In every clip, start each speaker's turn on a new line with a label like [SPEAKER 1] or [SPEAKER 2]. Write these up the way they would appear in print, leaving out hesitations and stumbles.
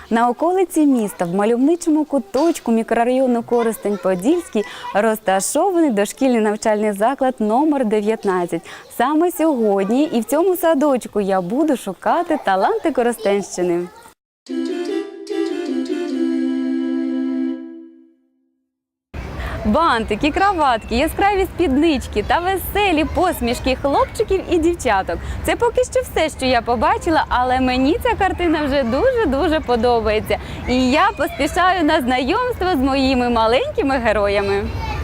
[SPEAKER 1] На околиці міста в мальовничому куточку мікрорайону Коростень-Подільський розташований дошкільний навчальний заклад номер 19. Саме сьогодні і в цьому садочку я буду шукати таланти Коростенщини. Бантики, краватки, яскраві спіднички та веселі посмішки хлопчиків і дівчаток. Це поки що все, що я побачила, але мені ця картина вже дуже-дуже подобається. І я поспішаю на знайомство з моїми маленькими героями.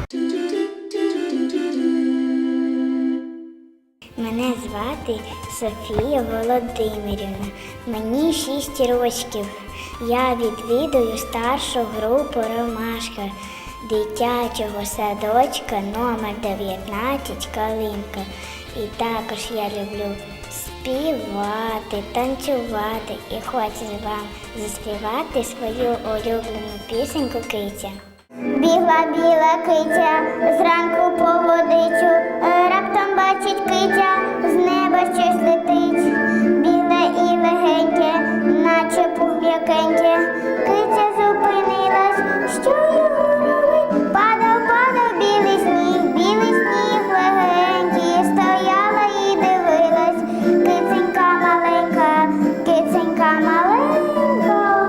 [SPEAKER 2] Мене звати Софія Володимирівна. Мені 6 років. Я відвідую старшу групу «Ромашка» дитячого садочка номер 19 «Калинка». І також я люблю співати, танцювати і хочу вам заспівати свою улюблену пісеньку «Киця». Бігла біла киця зранку по водичу, раптом бачить киця, з неба щось летить. Біле і легеньке, наче пух м'якеньке. Киця зупинилась, що його робить? Падав білий сніг легенький. Стояла і дивилась, киценька маленька, киценька маленька,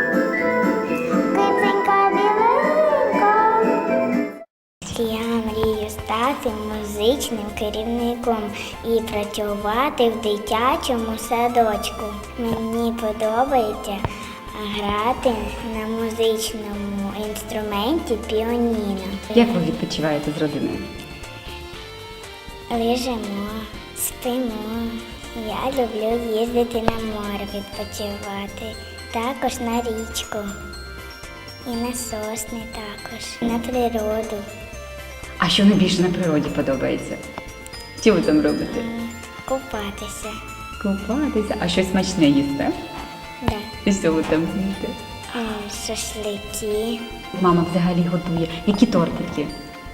[SPEAKER 2] киценька біленька. Я мрію стати музичним керівником і працювати в дитячому садочку. Мені подобається грати на музичному інструменті піаніно.
[SPEAKER 1] Як ви відпочиваєте з родиною?
[SPEAKER 2] Лежимо, спимо. Я люблю їздити на море відпочивати, також на річку і на сосни також, на природу.
[SPEAKER 1] А що найбільше на природі подобається? Що ви там робите?
[SPEAKER 2] Купатися.
[SPEAKER 1] Купатися. А щось смачне їсте?
[SPEAKER 2] Да.
[SPEAKER 1] І що ви там їсте?
[SPEAKER 2] Шашлики,
[SPEAKER 1] Мама взагалі готує. Які тортики?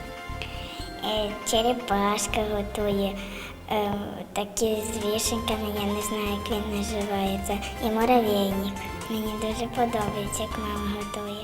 [SPEAKER 2] черепашка готує, такі з вишеньками, я не знаю, як він називається, і муравейник. Мені дуже подобається, як мама готує.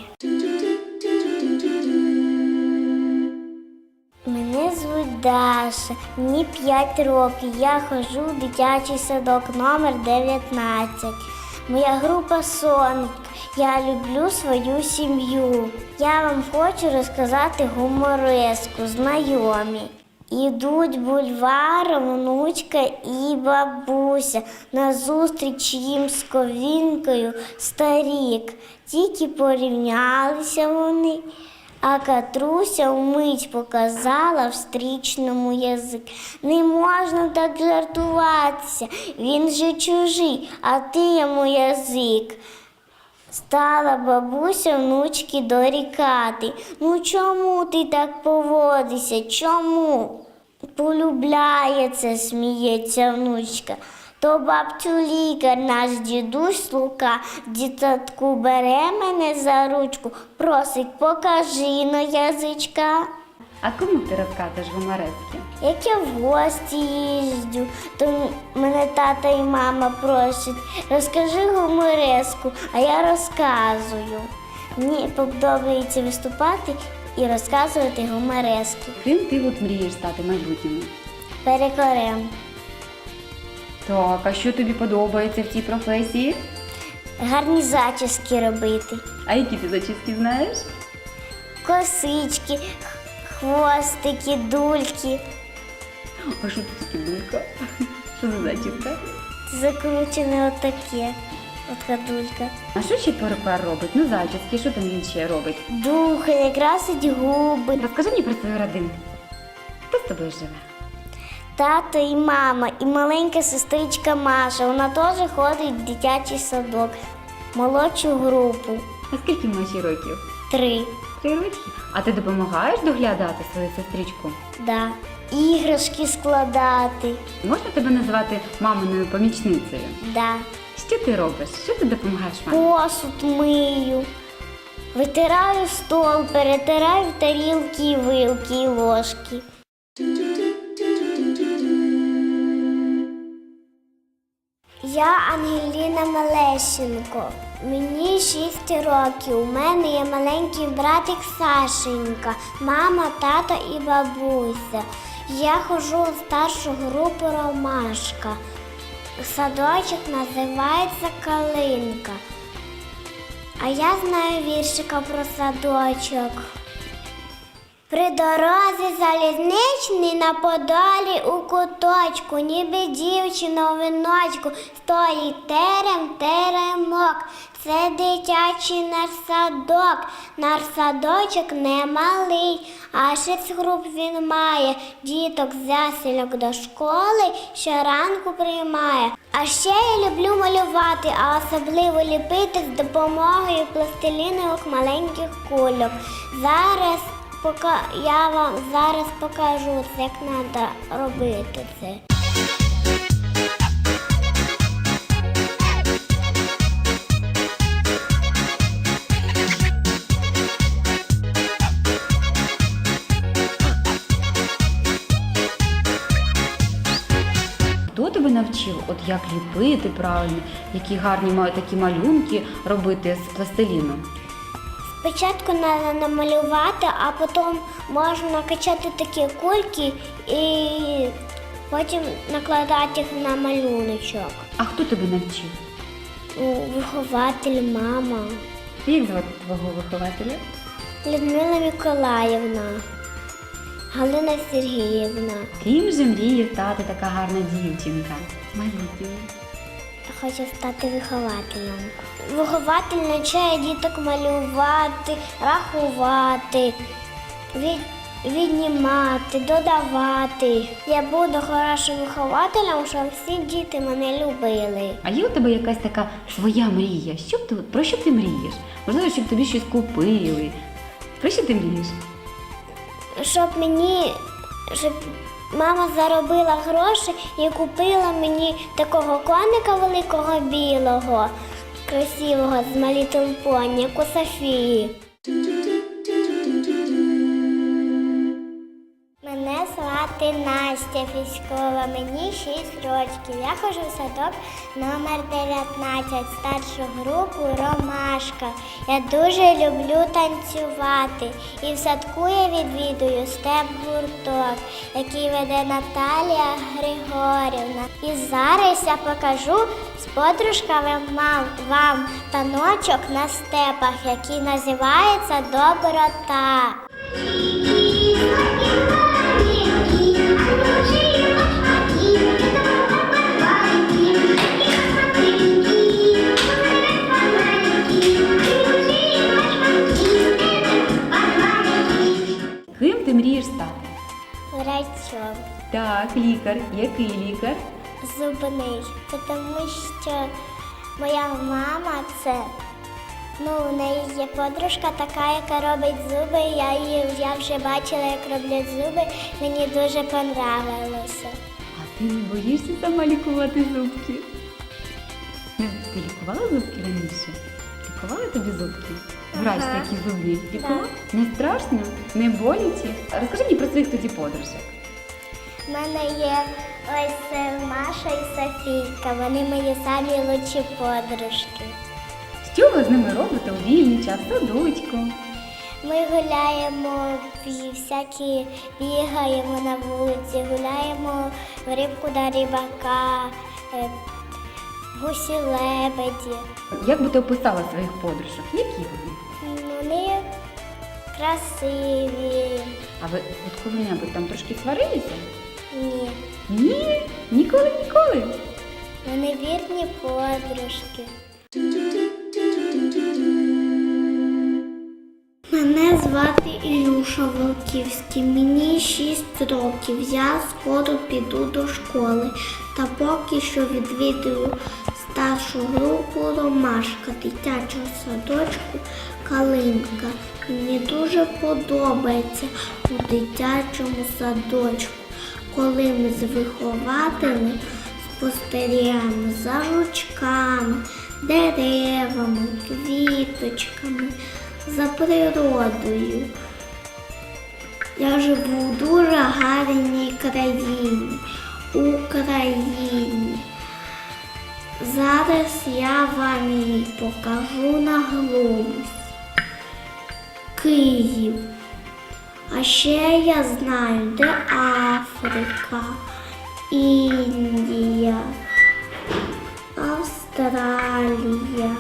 [SPEAKER 2] Мене звуть Даша, мені 5 років, я ходжу в дитячий садок номер 19. Моя група «Соник». Я люблю свою сім'ю. Я вам хочу розказати гумореску «Знайомі». Ідуть бульваром внучка і бабуся, назустріч їм з ковінкою старік. Тільки порівнялися вони, а Катруся вмить показала встрічному язик. Не можна так жартуватися, він же чужий, а ти йому язик. Стала бабуся внучки дорікати. Ну чому ти так поводишся, чому? Полюбляє це, сміється внучка. То бабцю лікар, наш дідусь Лука, в дитсадку бере мене за ручку, просить, покажи на язичка.
[SPEAKER 1] А кому ти розказуєш гуморески?
[SPEAKER 2] Як я в гості їжджу, то мене тата і мама просять, розкажи гумореску, а я розказую. Мені подобається виступати і розказувати гуморески.
[SPEAKER 1] Ким ти от мрієш стати в майбутньому?
[SPEAKER 2] Перекорем.
[SPEAKER 1] Так, а що тобі подобається в цій професії?
[SPEAKER 2] Гарні зачіски робити.
[SPEAKER 1] А які ти зачіски знаєш?
[SPEAKER 2] Косички, хвостики, дульки.
[SPEAKER 1] А що це таке дулька? Що за зачіска?
[SPEAKER 2] Закручене отаке. От дулька.
[SPEAKER 1] А що ще перукар робить? Ну, зачіски, що там він ще робить?
[SPEAKER 2] Духає, красить губи.
[SPEAKER 1] Розкажи мені про свою родину. Хто з тобою живе?
[SPEAKER 2] Тато і мама, і маленька сестричка Маша. Вона теж ходить в дитячий садок, молодшу групу.
[SPEAKER 1] А скільки Маші років?
[SPEAKER 2] 3.
[SPEAKER 1] 3 роки. А ти допомагаєш доглядати свою сестричку?
[SPEAKER 2] Да. Іграшки складати.
[SPEAKER 1] Можна тебе назвати маминою помічницею?
[SPEAKER 2] Да.
[SPEAKER 1] Що ти робиш? Що ти допомагаєш мамі?
[SPEAKER 2] Посуд мию. Витираю стол, перетираю тарілки, вилки і ложки. Я Ангеліна Малещенко. Мені 6 років. У мене є маленький братик Сашенька, мама, тато і бабуся. Я ходжу в старшу групу Ромашка. Садочок називається Калинка. А я знаю віршика про садочок. При дорозі залізничній на Подолі у куточку, ніби дівчина у віночку, стоїть теремок. Це дитячий наш садок, наш садочок немалий, а 6 груп він має, діток з ясельок до школи щоранку приймає. А ще я люблю малювати, а особливо ліпити з допомогою пластилінових маленьких кульок. Я вам зараз покажу, як треба робити це.
[SPEAKER 1] Хто тебе навчив, от як ліпити правильно, які гарні такі малюнки робити з пластиліну?
[SPEAKER 2] Спочатку треба намалювати, а потім можна накачати такі кульки і потім накладати їх на малюночок.
[SPEAKER 1] А хто тебе навчив?
[SPEAKER 2] Вихователь, мама.
[SPEAKER 1] Як звати твого вихователя?
[SPEAKER 2] Людмила Миколаївна, Галина Сергіївна.
[SPEAKER 1] Ким же мріє стати така гарна дівчинка? Майбутньою.
[SPEAKER 2] Хочу стати вихователем. Вихователь навчає діток малювати, рахувати, віднімати, додавати. Я буду хорошим вихователем, щоб всі діти мене любили.
[SPEAKER 1] А є у тебе якась така своя мрія? Про що ти мрієш? Можливо, щоб тобі щось купили. Про що ти мрієш?
[SPEAKER 2] Щоб мама заробила гроші і купила мені такого коника великого білого, красивого, з My Little Pony, як у Софії. Мене звати Настя Фіськова, мені 6 років. Я ходжу в садок номер 19, старшу групу Ромашка. Я дуже люблю танцювати. І в садку я відвідую степ-гурток, який веде Наталія Григорівна. І зараз я покажу з подружками вам таночок на степах, який називається «Доброта».
[SPEAKER 1] Ким ти мрієш стати?
[SPEAKER 2] Врачом.
[SPEAKER 1] Так, лікар. Який лікар?
[SPEAKER 2] Зубний. Тому що моя мама у неї є подружка така, яка робить зуби. Я вже бачила, як роблять зуби. Мені дуже понравилося.
[SPEAKER 1] А ти не боїшся сама лікувати зубки? Ти лікувала зубки раніше? Лікувала тобі зубки? Врач такі зубні. Лікувала?
[SPEAKER 2] Да.
[SPEAKER 1] Не страшно? Не боляче? Розкажи мені про своїх тоді подружок.
[SPEAKER 2] У мене є ось Маша і Софійка. Вони мої самі лучші подружки.
[SPEAKER 1] Що ви з ними робите у вільний час в садочку?
[SPEAKER 2] Ми гуляємо, всякі бігаємо на вулиці, гуляємо в рибку до рибака, гусі-лебеді.
[SPEAKER 1] Як би ти описала своїх подружок? Які вони?
[SPEAKER 2] Вони красиві.
[SPEAKER 1] А ви от коли-небудь там трошки сварилися?
[SPEAKER 2] Ні.
[SPEAKER 1] Ні, ніколи.
[SPEAKER 2] Вони вірні подружки. Мене звати Ілюша Волківський, мені 6 років, я скоро піду до школи, та поки що відвідую старшу групу Ромашка дитячого садочку Калинка. Мені дуже подобається у дитячому садочку, коли ми з вихователем спостерігаємо за жучками, деревами, квіточками, за природою. Я живу в дуже гарній країні, Україні. Зараз я вам її покажу на глобусі. Київ. А ще я знаю, де Африка, Індія, Австралія,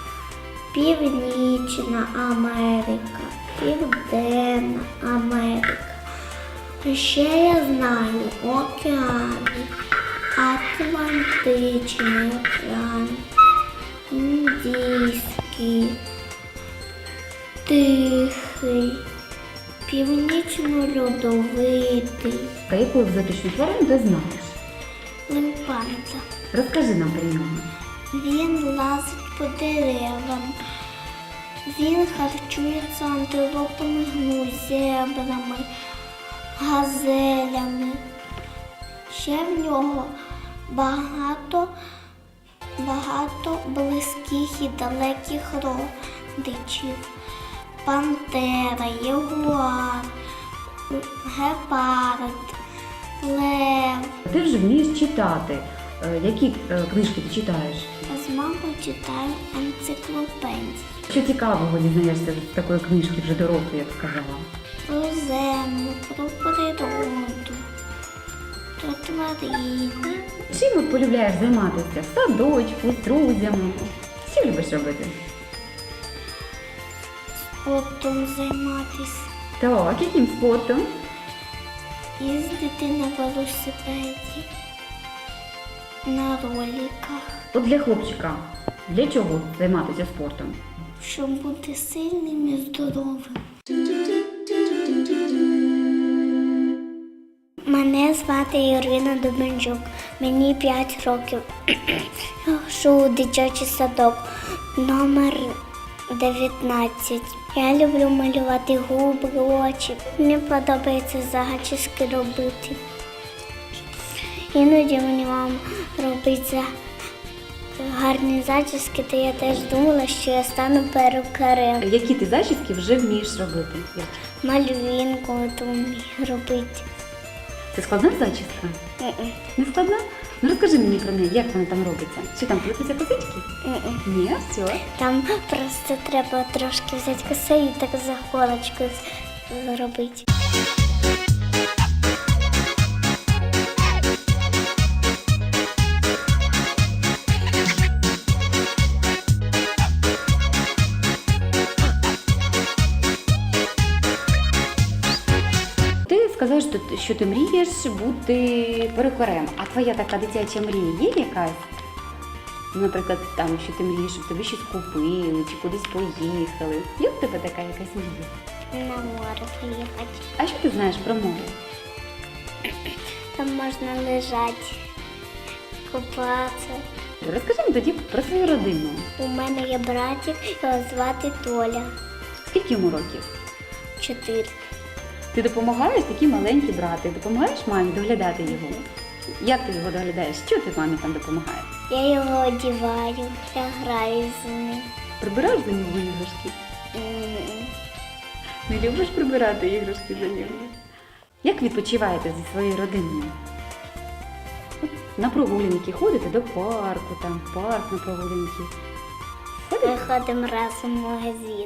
[SPEAKER 2] Північна Америка, Південна Америка. А ще я знаю океани, Атлантичний океан, Індійський, Тихий, Північно-льодовитий,
[SPEAKER 1] А яку екзотичну тварину ти знаєш?
[SPEAKER 2] лимпанта.
[SPEAKER 1] Розкажи нам про нього.
[SPEAKER 2] Він лазить по деревам. Він харчується антилопами, зебрами, газелями. Ще в нього багато близьких і далеких родичів. Пантера, ягуар, гепард, лев.
[SPEAKER 1] Ти вже вмієш читати. Які книжки ти читаєш?
[SPEAKER 2] З мамою читаю енциклопедії.
[SPEAKER 1] Що цікавого дізнаєшся з такої книжки вже дорослої, я б сказала?
[SPEAKER 2] Про землю, про природу, про тварини.
[SPEAKER 1] Чим от полюбляєш займатися? В садочку, з друзями? Що любиш робити?
[SPEAKER 2] Спортом займатися,
[SPEAKER 1] Так, яким спортом?
[SPEAKER 2] їздити на велосипеді, на роликах,
[SPEAKER 1] От для хлопчика. Для чого займатися спортом?
[SPEAKER 2] щоб бути сильним і здоровим. Мене звати Ірина Дубенчук, мені 5 років. Я ходжу у дитячий садок номер 19. Я люблю малювати губи, очі. Мені подобається зачіски робити. Іноді мені мама робить гарні зачіски, то я теж думала, що я стану перукарем.
[SPEAKER 1] Які ти зачіски вже вмієш робити?
[SPEAKER 2] Мальвінку от вмію робити.
[SPEAKER 1] Це складна зачіска? Не складна? Ну розкажи мені про неї, як вона там робиться? Чи там плетуться косички? Ні, все.
[SPEAKER 2] Там просто треба трошки взяти коси і так за голочкою зробити.
[SPEAKER 1] Ти сказав, що ти мрієш бути перукарем. А твоя така дитяча мрія є якась? Наприклад, там, що ти мрієш, щоб тобі щось купили чи кудись поїхали. Є в тебе така якась мрія?
[SPEAKER 2] На море поїхати.
[SPEAKER 1] А що ти знаєш про море?
[SPEAKER 2] Там можна лежати, купатися.
[SPEAKER 1] Розкажи мені тоді про свою родину.
[SPEAKER 2] У мене є братик, його звати Толя.
[SPEAKER 1] Скільки йому років?
[SPEAKER 2] 4.
[SPEAKER 1] Ти допомагаєш, такий маленький брат, ти допомагаєш мамі доглядати його? Як ти його доглядаєш? Що ти мамі там допомагаєш?
[SPEAKER 2] Я його одіваю, я граю з ним.
[SPEAKER 1] Прибираєш за нього іграшки? Не любиш прибирати іграшки за нього? Як відпочиваєте зі своєю родиною? На прогулянки ходите до парку, там парк на прогулянки.
[SPEAKER 2] Ми ходимо разом в магазин.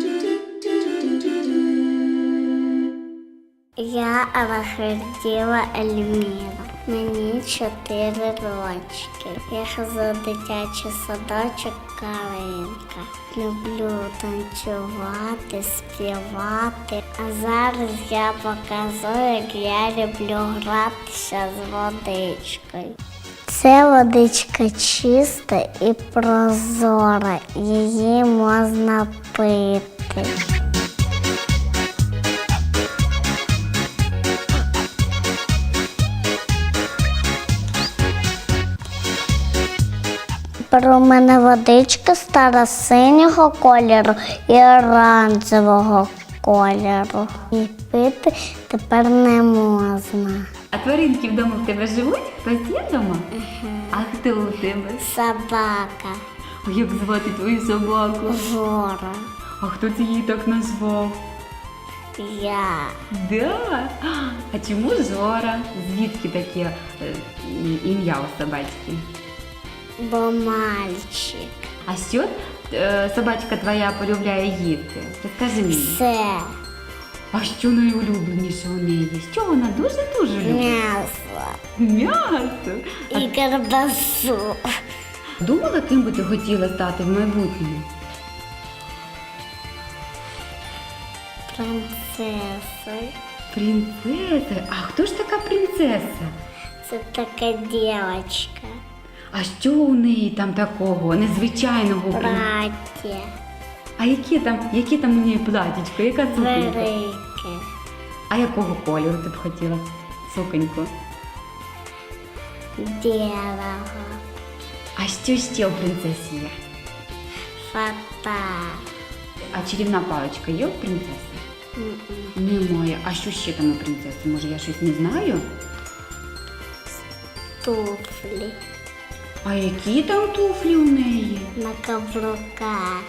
[SPEAKER 2] Я Алахерділа Ельміра. Мені 4 рочки. Я хожу в дитячий садочок Калинка. Люблю танцювати, співати. А зараз я показую, як я люблю гратися з водичкою. Це водичка чиста і прозора. Її можна пити. Про мене водичка стара синього кольору і оранжевого кольору. І пити тепер не можна.
[SPEAKER 1] А тваринки вдома в тебе живуть? Хтось є вдома? А хто у тебе?
[SPEAKER 2] Собака.
[SPEAKER 1] А як звати твою собаку?
[SPEAKER 2] Жора.
[SPEAKER 1] А хто це її так назвав?
[SPEAKER 2] Я.
[SPEAKER 1] Да? А чому Жора? Звідки таке ім'я у собачки?
[SPEAKER 2] Бо мальчик.
[SPEAKER 1] А що собачка твоя полюбляє їсти? Розкажи мені.
[SPEAKER 2] Все.
[SPEAKER 1] А що найулюбленіше у неї? Що вона дуже-дуже любить?
[SPEAKER 2] М'ясо.
[SPEAKER 1] М'ясо.
[SPEAKER 2] І ковбасу.
[SPEAKER 1] Думала, ким би ти хотіла стати в майбутньому?
[SPEAKER 2] Принцесою.
[SPEAKER 1] Принцеса? А хто ж така принцеса?
[SPEAKER 2] Це така дівчинка.
[SPEAKER 1] А що у неї там такого незвичайного?
[SPEAKER 2] Плаття.
[SPEAKER 1] А яке там у неї платічко? Яка суконька?
[SPEAKER 2] Велике.
[SPEAKER 1] А якого кольору ти б хотіла суконьку?
[SPEAKER 2] Білого.
[SPEAKER 1] А що ще у принцесі є?
[SPEAKER 2] Фата.
[SPEAKER 1] А чарівна паличка є у принцеси? Немає. А що ще там у принцеси? Може, я щось не знаю?
[SPEAKER 2] Туфлі.
[SPEAKER 1] А які там туфлі у неї?
[SPEAKER 2] На каблуках.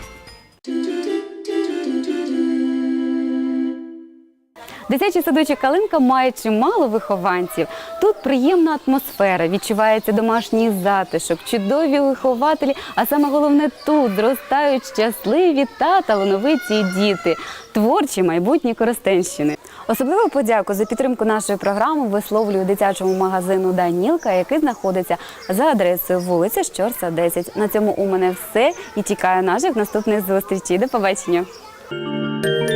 [SPEAKER 1] Дитячий садочок «Калинка» має чимало вихованців. Тут приємна атмосфера, відчувається домашній затишок, чудові вихователі, а саме головне тут зростають щасливі та талановиті діти, творчі майбутні Коростенщини. Особливу подяку за підтримку нашої програми висловлюю дитячому магазину «Данілка», який знаходиться за адресою вулиця Щорса, 10. На цьому у мене все і чекаю наших наступних зустрічей. До побачення!